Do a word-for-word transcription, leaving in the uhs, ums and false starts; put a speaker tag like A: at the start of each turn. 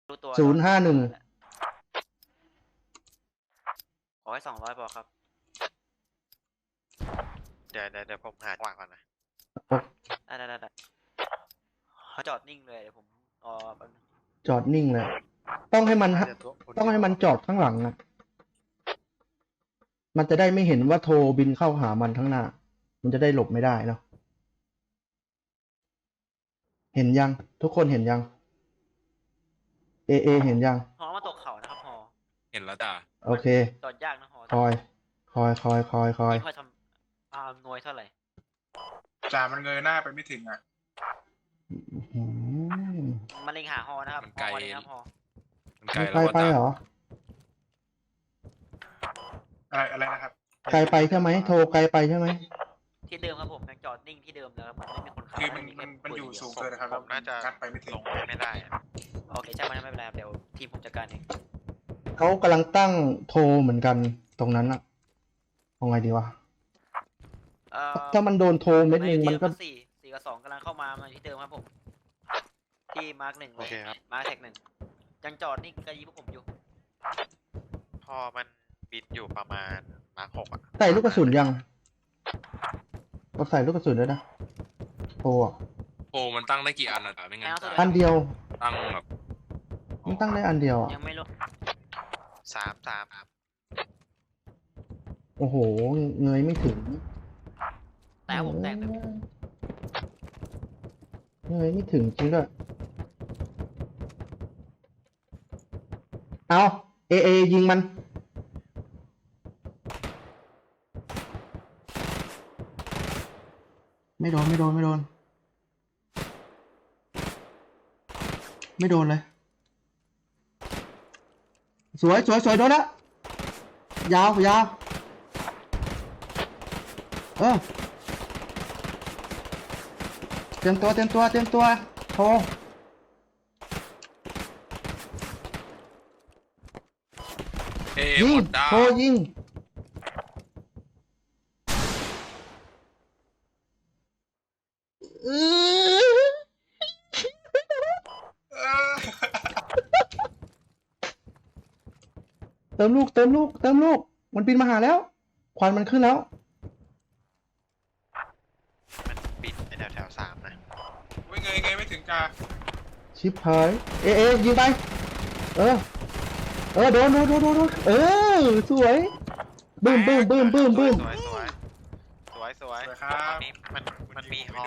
A: รู้ตัว
B: ศูนย์ห้าหนึ่ง
A: ขอให้สองร้อยพอครับ
C: เดี๋ยวเดี๋ยวเดี๋ยวผมหาจังหวะก่อนนะ
A: ได้ได้ได้ได้เขาจอดนิ่งเลยเดี๋ยวผมอ๋อแป๊บนึง
B: จอดนิ่งเลย ต้องให้มัน
C: น่าจะตัวคน
B: ต้องให้มันจอดข้างหลังนะมันจะได้ไม่เห็นว่าโทรบินเข้าหามันข้างหน้า มันจะได้หลบไม่ได้เนาะเห็นยัง ทุกคนเห็นยัง เอเอเห็นยัง
A: ฮอมาตกเขานะครับฮอ
D: เห็นแล้วจ้ะ
B: โอเค
A: จอดยากนะฮอ
B: คอย คอย คอย คอย คอย
A: ไม่ค่อยทำอ่าหน่วยเท่าไหร่
E: จ่ามันเงยหน้าไปไม่ถึงอ่ะ
B: อืม
A: มันเล็งหาฮอนะครับฮอมาเล็งครับฮอ
D: มันไกล
B: ไกล
D: แล้ว
B: ไป
D: จ้ะ
B: เหรอ
E: อะไรอะไรนะครับ
B: ไกลไปใช่ไหม โทรไกลไปใช่ไหม
A: ที่เดิมครับผมยังจอดนิ่งที่เดิมเลยครับผมไม่มีคนขับ
E: คือมัน
A: ไแค่
E: มันมัน
A: ปื
E: อยู่
A: เดีว
E: สูงเกินนะครับ
C: ผมน่าจะ
E: งัดไปไม่ถึง
C: ลงไม่ได้อะ
A: โอเคใช่ไหมไม่เป็นไรครับเดี๋ยวทีมผมจัดการเอง
B: เขากำลังตั้งโทรเหมือนกันตรงนั้นอะเอาไงดีวะ
A: เอ่อ
B: ถ้ามันโดนโทรเม็ดหนึ่งมันก็
A: สี่สี่กับสองกำลังเข้ามามาที่เดิมครับผมที่มาร์กหนึ่งเล
C: โอย เคครับ
A: มาร์กแท็กหนึ่งยังจอดนี่กระยิบพวกผมอยู่
C: พอมันบินอยู่ประมาณมาร์คหกอ่ะ
B: ใส่ลูกกระสุนยังเราใส่ลูกกระสุนด้วยนะโทรอะ
D: โอ้มันตั้งได้กี่อันอ่ะจ้ะไม่งั้นจ้ะ
B: อันเดียว
D: ตั้งแบบ
B: มันตั้งได้อันเดียวอะ
A: ยังไม่ลง
C: สามสามครับ
B: โอ้โห เงยไม่ถึง
A: แต่ผมแตกแต่
B: เงยไม่ถึงจริงด้วย เอาเอเอยิงมัน ไม่โดน ไม่โดน ไม่โดน ไม่โดนเลย สวยสวยสวยโดนละยาวยาวเออเตรียมตัวเตรียมตัวเตรียมตัวโทร
D: เอ
B: ยิ
D: ห
B: ง
D: มดดาว
B: โทรยิงเออ
E: เออ
B: เติมลูกเติมลูกเติมลูกมันบินมาหาแล้ว ควันมันขึ้นแล้ว
C: มันบินไปแถวแถวสามนะ
E: ไม่เงยเงยไม่ถึงจ่า
B: ชิปหายเอเอยิงไป เออ เออโดนโดนโดนโดนโดนเออสวยบึ้มบึ้มบึ้มบึ้มบึ้ม
C: สวยสวยสวยสวย
E: สวยครับ
C: ตอนนี้มันมันมีฮอ